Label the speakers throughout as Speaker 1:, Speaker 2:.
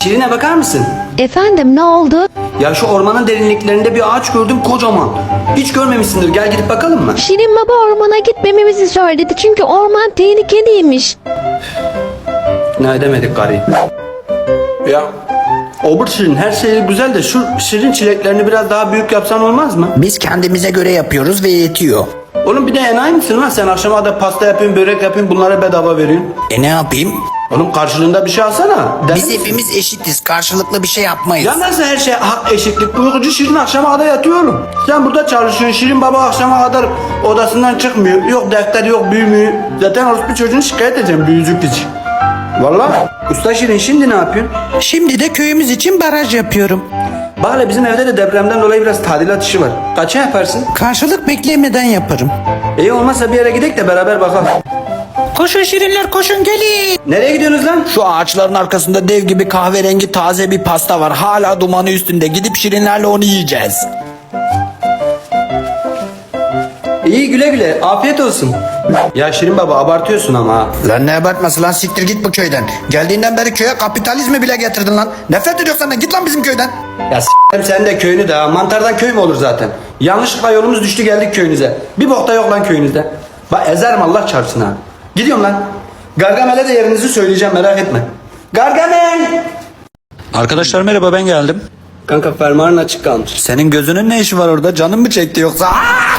Speaker 1: Şirine bakar mısın?
Speaker 2: Efendim, ne oldu?
Speaker 1: Ya şu ormanın derinliklerinde bir ağaç gördüm kocaman. Hiç görmemişsindir. Gel gidip bakalım mı?
Speaker 2: Şirin baba ormana gitmememizi söyledi çünkü orman tehlikeliymiş.
Speaker 1: Ne edemedik gari. Ya obur Şirin her şey güzel de şu Şirin çileklerini biraz daha büyük yapsan olmaz mı?
Speaker 3: Biz kendimize göre yapıyoruz ve yetiyor.
Speaker 1: Oğlum bir de enayi misin lan sen? Akşama da pasta yapayım, börek yapayım, bunlara bedava veriyorsun.
Speaker 3: Ne yapayım?
Speaker 1: Oğlum karşılığında bir şey alsana.
Speaker 3: Biz hepimiz eşitiz. Karşılıklı bir şey yapmayız.
Speaker 1: Ya nasıl her şey hak eşitlik? Uykucu Şirin akşama kadar yatıyorum. Sen burada çalışıyorsun. Şirin baba akşama kadar odasından çıkmıyor. Yok defter yok büyümüyor. Zaten orospu çocuğunu şikayet edeceğim büyücük için. Valla. Usta Şirin şimdi ne yapıyorsun?
Speaker 3: Şimdi de köyümüz için baraj yapıyorum.
Speaker 1: Bak hele bizim evde de depremden dolayı biraz tadilat işi var. Kaça yaparsın?
Speaker 3: Karşılık beklemeden yaparım.
Speaker 1: İyi olmazsa bir yere gidelim de beraber bakalım.
Speaker 3: Koşun şirinler koşun gelin.
Speaker 1: Nereye gidiyorsunuz lan?
Speaker 3: Şu ağaçların arkasında dev gibi kahverengi taze bir pasta var. Hala dumanı üstünde. Gidip şirinlerle onu yiyeceğiz.
Speaker 1: İyi güle güle. Afiyet olsun. Ya Şirin baba abartıyorsun ama ha.
Speaker 3: Lan ne abartması lan, siktir git bu köyden. Geldiğinden beri köye kapitalizmi bile getirdin lan. Nefret ediyorsan senden, git lan bizim köyden.
Speaker 1: Ya s**erim sen de köyünü de ha. Mantardan köy mü olur zaten? Yanlışlıkla yolumuz düştü geldik köyünüze. Bir bokta yok lan köyünüzde. Bak ezerim Allah çarpsın ha. Gidiyorum lan. Gargamel'e de yerinizi söyleyeceğim merak etme. Gargamel!
Speaker 3: Arkadaşlar merhaba, ben geldim.
Speaker 1: Kanka fermuarın açık kalmış.
Speaker 3: Senin gözünün ne işi var orada? Canın mı çekti yoksa?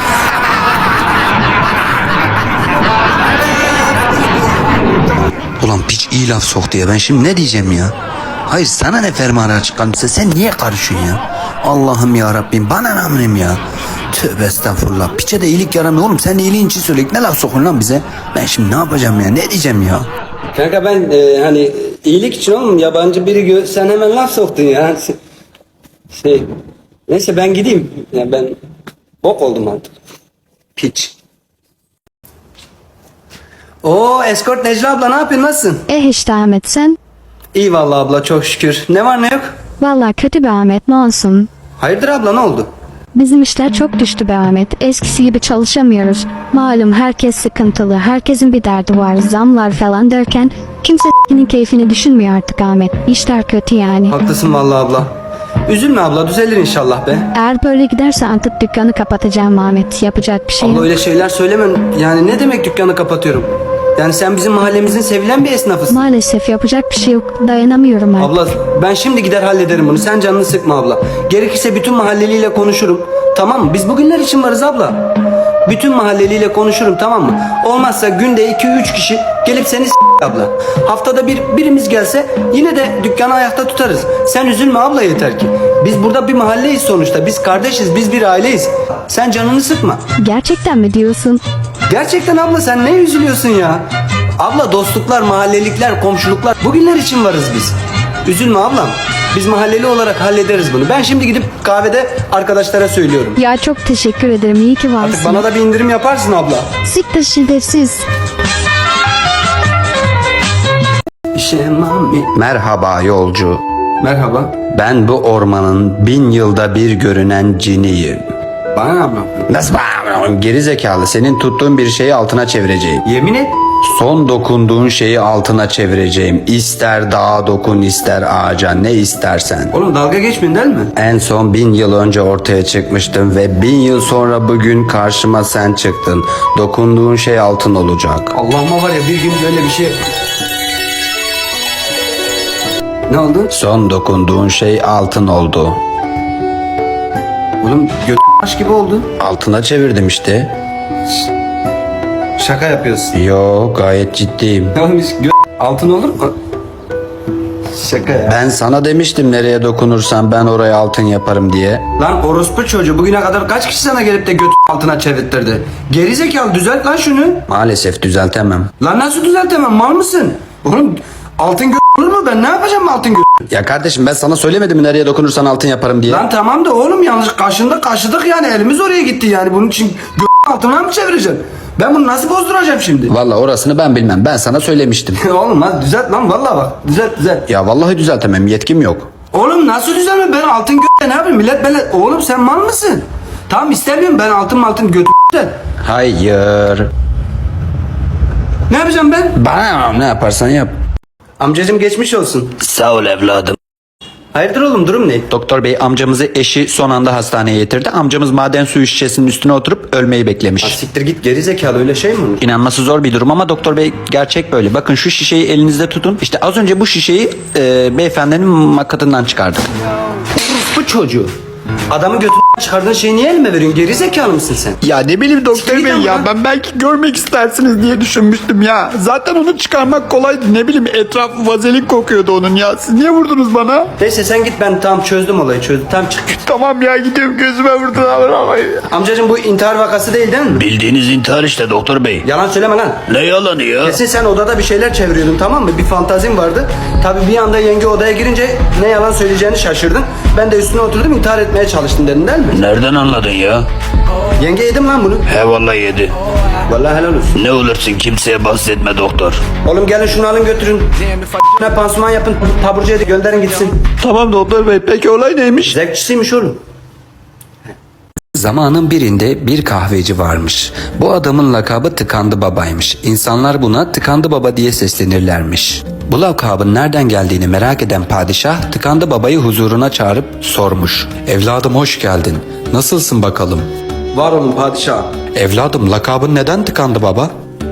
Speaker 3: Ulan piç iyi laf soktu ya, ben şimdi ne diyeceğim ya? Hayır sana ne fermuarı açık kalmışsa sen niye karışıyorsun ya? Allah'ım ya Rabbim, bana ne amrim ya? Tövbe estağfurullah, piçe de iyilik yaramıyor oğlum, sen iyiliğin için söyle, ne laf sokun lan bize? Ben şimdi ne yapacağım ya, ne diyeceğim ya?
Speaker 1: Kanka ben hani iyilik için oğlum yabancı biri sen hemen laf soktun ya. Neyse ben gideyim. Ya ben bok oldum artık. Piç. Oo Escort Necla abla ne yapıyorsun nasılsın?
Speaker 2: İşte Ahmet, sen?
Speaker 1: İyi vallahi abla çok şükür. Ne var ne yok?
Speaker 2: Vallahi kötü be Ahmet, ne olsun.
Speaker 1: Hayırdır abla ne oldu?
Speaker 2: Bizim işler çok düştü be Ahmet. Eskisi gibi çalışamıyoruz. Malum herkes sıkıntılı. Herkesin bir derdi var. Zamlar falan derken kimse s**kinin keyfini düşünmüyor artık Ahmet. İşler kötü yani.
Speaker 1: Haklısın vallahi abla. Üzülme abla düzelir inşallah be.
Speaker 2: Eğer böyle giderse artık dükkanı kapatacağım Ahmet. Yapacak bir şey
Speaker 1: Abla
Speaker 2: yok.
Speaker 1: öyle şeyler söyleme. Yani ne demek dükkanı kapatıyorum? Yani sen bizim mahallemizin sevilen bir esnafısın.
Speaker 2: Maalesef yapacak bir şey yok. Dayanamıyorum artık.
Speaker 1: Abla ben şimdi gider hallederim bunu. Sen canını sıkma abla. Gerekirse bütün mahalleliyle konuşurum. Tamam mı? Biz bugünler için varız abla. Bütün mahalleliyle konuşurum tamam mı? Olmazsa günde 2-3 kişi gelip seni abla. Haftada birimiz gelse yine de dükkanı ayakta tutarız. Sen üzülme abla yeter ki. Biz burada bir mahalleyiz sonuçta. Biz kardeşiz, biz bir aileyiz. Sen canını sıkma.
Speaker 2: Gerçekten mi diyorsun?
Speaker 1: Gerçekten abla sen ne üzülüyorsun ya? Abla dostluklar, mahallelikler, komşuluklar bugünler için varız biz. Üzülme ablam. Biz mahalleli olarak hallederiz bunu. Ben şimdi gidip kahvede arkadaşlara söylüyorum.
Speaker 2: Ya çok teşekkür ederim. İyi ki varsın.
Speaker 1: Artık bana da bir indirim yaparsın abla.
Speaker 2: Siktir şiddetsiz.
Speaker 3: Merhaba yolcu.
Speaker 1: Merhaba.
Speaker 3: Ben bu ormanın 1000 yılda bir görünen ciniyim.
Speaker 1: Bana ne abla?
Speaker 3: Nasıl bağırıyorsun? Geri zekalı, senin tuttuğun bir şeyi altına çevireceğim.
Speaker 1: Yemin et.
Speaker 3: Son dokunduğun şeyi altına çevireceğim. İster dağa dokun ister ağaca, ne istersen.
Speaker 1: Oğlum dalga geçmeyin değil mi?
Speaker 3: En son 1000 yıl önce ortaya çıkmıştım ve 1000 yıl sonra bugün karşıma sen çıktın. Dokunduğun şey altın olacak.
Speaker 1: Allah'ıma var ya bir gün böyle bir şey... Ne oldu?
Speaker 3: Son dokunduğun şey altın oldu.
Speaker 1: Oğlum aş gibi oldu.
Speaker 3: Altına çevirdim işte.
Speaker 1: Şaka yapıyorsun.
Speaker 3: Yo, gayet ciddiyim.
Speaker 1: Oğlum hiç altın olur mu? Şaka ya.
Speaker 3: Ben sana demiştim nereye dokunursan ben oraya altın yaparım diye.
Speaker 1: Lan orospu çocuğu bugüne kadar kaç kişi sana gelip de altına çevirttirdi? Gerizekalı düzelt lan şunu.
Speaker 3: Maalesef düzeltemem.
Speaker 1: Lan nasıl düzeltemem mal mısın? Oğlum altın olur mu ben ne yapacağım altın
Speaker 3: Ya kardeşim ben sana söylemedim mi nereye dokunursan altın yaparım diye.
Speaker 1: Lan tamam da oğlum yanlış kaşıdık yani elimiz oraya gitti yani bunun için altına mı çevireceğim? Ben bunu nasıl bozduracağım şimdi?
Speaker 3: Valla orasını ben bilmem, ben sana söylemiştim.
Speaker 1: Oğlum lan düzelt lan vallahi bak düzelt.
Speaker 3: Ya vallahi düzeltemem, yetkim yok.
Speaker 1: Oğlum nasıl düzelme ben altın ne yapayım millet böyle oğlum sen mal mısın? Tamam istemiyorum ben altın de.
Speaker 3: Hayır.
Speaker 1: Ne yapacağım ben?
Speaker 3: Bana ne yaparsan yap.
Speaker 1: Amcacım geçmiş olsun.
Speaker 3: Sağ ol evladım.
Speaker 1: Hayırdır oğlum, durum ne?
Speaker 3: Doktor bey, amcamızı eşi son anda hastaneye getirdi. Amcamız maden suyu şişesinin üstüne oturup ölmeyi beklemiş.
Speaker 1: Siktir git, geri zekalı, öyle şey mi olur?
Speaker 3: İnanması zor bir durum ama doktor bey, gerçek böyle. Bakın şu şişeyi elinizde tutun. İşte az önce bu şişeyi beyefendinin makatından çıkardık.
Speaker 1: Bu çocuğu. Adamı götünden çıkardığın şeyi niye elime veriyorsun? Geri zekalı mısın sen?
Speaker 4: Ya ne bileyim doktor
Speaker 1: Siktir
Speaker 4: bey
Speaker 1: git
Speaker 4: ya,
Speaker 1: ama.
Speaker 4: ben belki görmek istersiniz diye düşünmüştüm ya. Zaten onu çıkarmak kolaydı, ne bileyim etrafı vazelin kokuyordu onun ya. Siz niye vurdunuz bana?
Speaker 1: Neyse sen git, ben tam çözdüm olayı, çözdüm. Tam çık.
Speaker 4: Tamam ya, gidiyorum, gözüme vurdular.
Speaker 1: Amcacığım, bu intihar vakası değil mi?
Speaker 5: Bildiğiniz intihar işte doktor bey.
Speaker 1: Yalan söyleme lan.
Speaker 5: Ne yalanı ya?
Speaker 1: Kesin sen odada bir şeyler çeviriyordun, tamam mı? Bir fantazin vardı. Tabii bir anda yenge odaya girince ne yalan söyleyeceğini şaşırdın. Ben de üstüne oturdum, intihar etmeye çalıştın dedin değil mi?
Speaker 5: Nereden anladın ya?
Speaker 1: Yenge yedim lan bunu.
Speaker 5: He vallahi yedi.
Speaker 1: Vallahi helal olsun.
Speaker 5: Ne olursun kimseye bahsetme doktor.
Speaker 1: Oğlum gelin şunu alın götürün. Ne pansuman yapın, taburcuya da gönderin gitsin.
Speaker 4: Tamam doktor bey, peki olay neymiş?
Speaker 1: Zevkçisiymiş oğlum.
Speaker 3: Zamanın birinde bir kahveci varmış. Bu adamın lakabı Tıkandı Baba'ymış. İnsanlar buna Tıkandı Baba diye seslenirlermiş. Bu lakabın nereden geldiğini merak eden padişah Tıkandı Baba'yı huzuruna çağırıp sormuş. Evladım hoş geldin. Nasılsın bakalım?
Speaker 1: Var olun padişah.
Speaker 3: Evladım, lakabın neden Tıkandı Baba?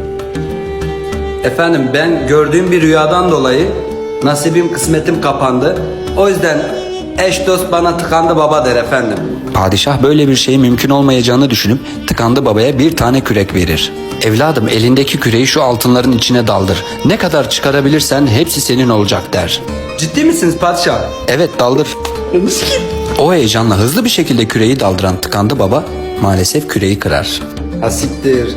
Speaker 1: Efendim, ben gördüğüm bir rüyadan dolayı nasibim kısmetim kapandı. O yüzden eş dost bana Tıkandı Baba der efendim.
Speaker 3: Padişah böyle bir şeyin mümkün olmayacağını düşünüp Tıkandı Baba'ya bir tane kürek verir. Evladım, elindeki küreği şu altınların içine daldır. Ne kadar çıkarabilirsen hepsi senin olacak der.
Speaker 1: Ciddi misiniz padişah?
Speaker 3: Evet, daldır. O heyecanla hızlı bir şekilde küreği daldıran Tıkandı Baba maalesef küreği kırar.
Speaker 1: Ha siktir.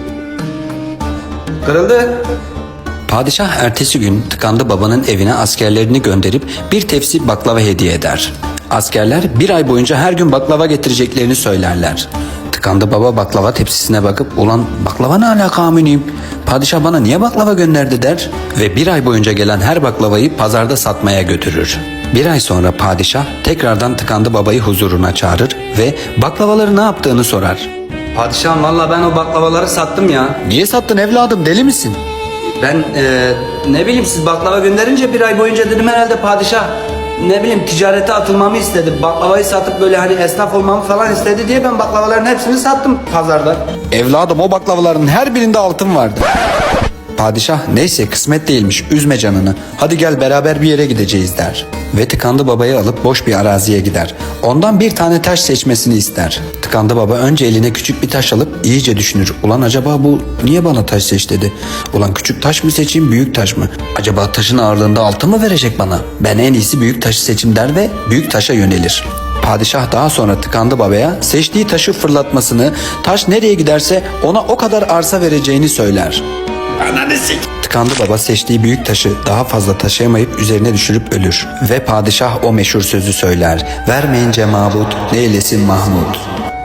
Speaker 1: Kırıldı.
Speaker 3: Padişah ertesi gün Tıkandı Baba'nın evine askerlerini gönderip bir tepsi baklava hediye eder. Askerler bir ay boyunca her gün baklava getireceklerini söylerler. Tıkandı Baba baklava tepsisine bakıp ulan baklava ne alaka aminiyim? Padişah bana niye baklava gönderdi der ve bir ay boyunca gelen her baklavayı pazarda satmaya götürür. Bir ay sonra padişah tekrardan Tıkandı Baba'yı huzuruna çağırır ve baklavaları ne yaptığını sorar.
Speaker 1: Padişahım, valla ben o baklavaları sattım ya.
Speaker 3: Niye sattın evladım, deli misin?
Speaker 1: Ben ne bileyim, siz baklava gönderince bir ay boyunca dedim herhalde padişah ne bileyim ticarete atılmamı istedi. Baklavayı satıp böyle hani esnaf olmamı falan istedi diye ben baklavaların hepsini sattım pazarda.
Speaker 3: Evladım, o baklavaların her birinde altın vardı. Padişah neyse kısmet değilmiş, üzme canını, hadi gel beraber bir yere gideceğiz der. Ve Tıkandı Baba'yı alıp boş bir araziye gider. Ondan bir tane taş seçmesini ister. Tıkandı Baba önce eline küçük bir taş alıp iyice düşünür. Ulan acaba bu niye bana taş seç dedi. Ulan küçük taş mı seçeyim, büyük taş mı? Acaba taşın ağırlığında altın mı verecek bana? Ben en iyisi büyük taşı seçim der ve büyük taşa yönelir. Padişah daha sonra Tıkandı Baba'ya seçtiği taşı fırlatmasını, taş nereye giderse ona o kadar arsa vereceğini söyler. Tıkandı Baba seçtiği büyük taşı daha fazla taşıyamayıp üzerine düşürüp ölür. Ve padişah o meşhur sözü söyler. Vermeyince mabut, ne eylesin Mahmut.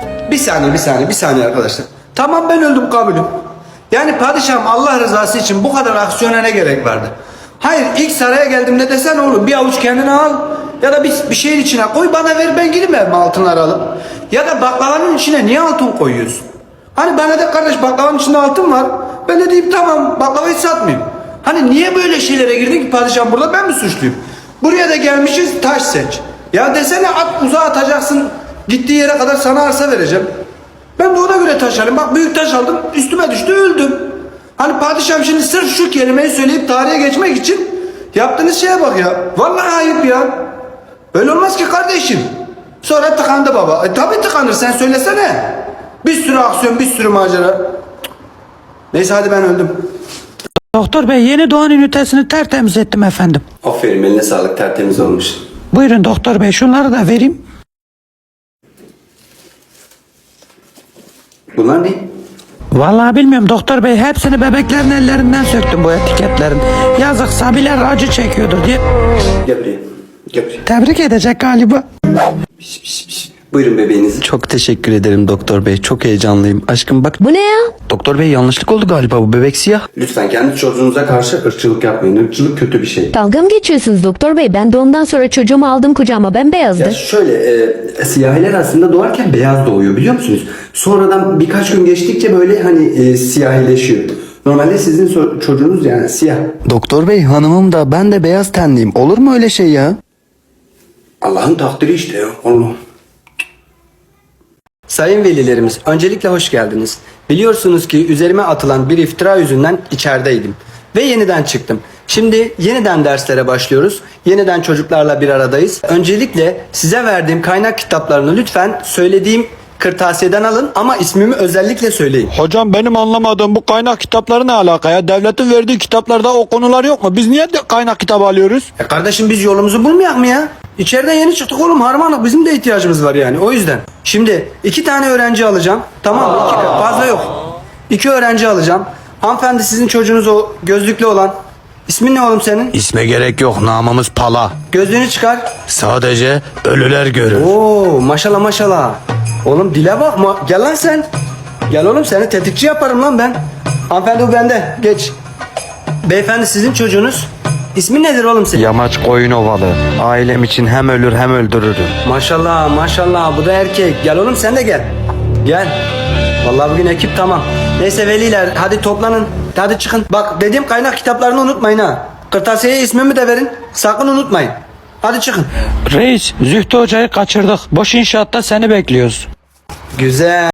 Speaker 1: Bir saniye arkadaşlar. Tamam, ben öldüm, kabulüm. Yani padişahım, Allah rızası için bu kadar aksiyona ne gerek vardı? Hayır, ilk saraya geldiğimde desen oğlum bir avuç kendine al ya da bir şeyin içine koy bana ver, ben gideyim evime altınları alıp. Ya da baklavanın içine niye altın koyuyorsun? Hani bana de kardeş baklavanın içinde altın var. Ben de diyeyim tamam, baklavayı satmayayım. Hani niye böyle şeylere girdin ki padişahım, burada ben mi suçluyum? Buraya da gelmişiz, taş seç. Ya desene at, uzağa atacaksın, gittiği yere kadar sana arsa vereceğim. Ben de ona göre taş alayım. Bak büyük taş aldım, üstüme düştü, öldüm. Hani padişahım şimdi sırf şu kelimeyi söyleyip tarihe geçmek için yaptığınız şeye bak ya. Vallahi ayıp ya. Öyle olmaz ki kardeşim. Sonra Tıkandı Baba. Tabii tıkanır, sen söylesene. Bir sürü aksiyon, bir sürü macera. Neyse hadi, ben öldüm.
Speaker 6: Doktor bey, yeni doğan ünitesini tertemiz ettim efendim.
Speaker 1: Aferin, eline sağlık, tertemiz olmuş.
Speaker 6: Buyurun doktor bey, şunları da vereyim.
Speaker 1: Bunlar ne?
Speaker 6: Vallahi bilmiyorum doktor bey, hepsini bebeklerin ellerinden söktüm bu etiketlerin. Yazık, sabiler acı çekiyordur diye.
Speaker 1: Gel buraya. Gel buraya.
Speaker 6: Tebrik edecek galiba.
Speaker 1: Buyurun bebeğinizi.
Speaker 3: Çok teşekkür ederim doktor bey, çok heyecanlıyım. Aşkım bak.
Speaker 2: Bu ne ya?
Speaker 3: Doktor bey, yanlışlık oldu galiba, bu bebek siyah.
Speaker 1: Lütfen kendi çocuğunuza karşı ırkçılık yapmayın. Irkçılık kötü bir şey.
Speaker 7: Dalga mı geçiyorsunuz doktor bey? Ben de ondan sonra çocuğumu aldım kucağıma, bembeyazdı.
Speaker 1: Ya şöyle, siyahiler aslında doğarken beyaz doğuyor, biliyor musunuz? Sonradan birkaç gün geçtikçe böyle hani siyahileşiyor. Normalde sizin çocuğunuz yani siyah.
Speaker 3: Doktor bey, hanımım da ben de beyaz tenliyim, olur mu öyle şey ya?
Speaker 1: Allah'ın takdiri işte ya. Allah'ım. Sayın velilerimiz, öncelikle hoş geldiniz. Biliyorsunuz ki üzerime atılan bir iftira yüzünden içerideydim. Ve yeniden çıktım. Şimdi yeniden derslere başlıyoruz. Yeniden çocuklarla bir aradayız. Öncelikle size verdiğim kaynak kitaplarını lütfen söylediğim kırtasiyeden alın ama ismimi özellikle söyleyin.
Speaker 4: Hocam benim anlamadığım bu kaynak kitapları ne alaka ya? Devletin verdiği kitaplarda o konular yok mu? Biz niye de kaynak kitabı alıyoruz?
Speaker 1: Kardeşim biz yolumuzu bulmayak mı ya? İçeriden yeni çıktık oğlum, harmanlık, bizim de ihtiyacımız var yani, o yüzden. Şimdi 2 tane öğrenci alacağım, tamam mı? Fazla yok. 2 öğrenci alacağım. Hanımefendi, sizin çocuğunuz o gözlüklü olan. İsmin ne oğlum senin?
Speaker 5: İsme gerek yok, namımız Pala.
Speaker 1: Gözlüğünü çıkar.
Speaker 5: Sadece ölüler görür.
Speaker 1: Oo maşallah maşallah. Oğlum dile bak, gel lan sen. Gel oğlum, seni tetikçi yaparım lan ben. Hanımefendi bu bende, geç. Beyefendi, sizin çocuğunuz. İsmi nedir oğlum senin?
Speaker 3: Yamaç koyun ovalı. Ailem için hem ölür hem öldürürüm.
Speaker 1: Maşallah maşallah, bu da erkek. Gel oğlum sen de gel. Gel. Vallahi bugün ekip tamam. Neyse veliler, hadi toplanın. Hadi çıkın. Bak dediğim kaynak kitaplarını unutmayın ha. Kırtasiyeye ismimi de verin. Sakın unutmayın. Hadi çıkın.
Speaker 6: Reis Zühtü Hoca'yı kaçırdık. Boş inşaatta seni bekliyoruz.
Speaker 1: Güzel.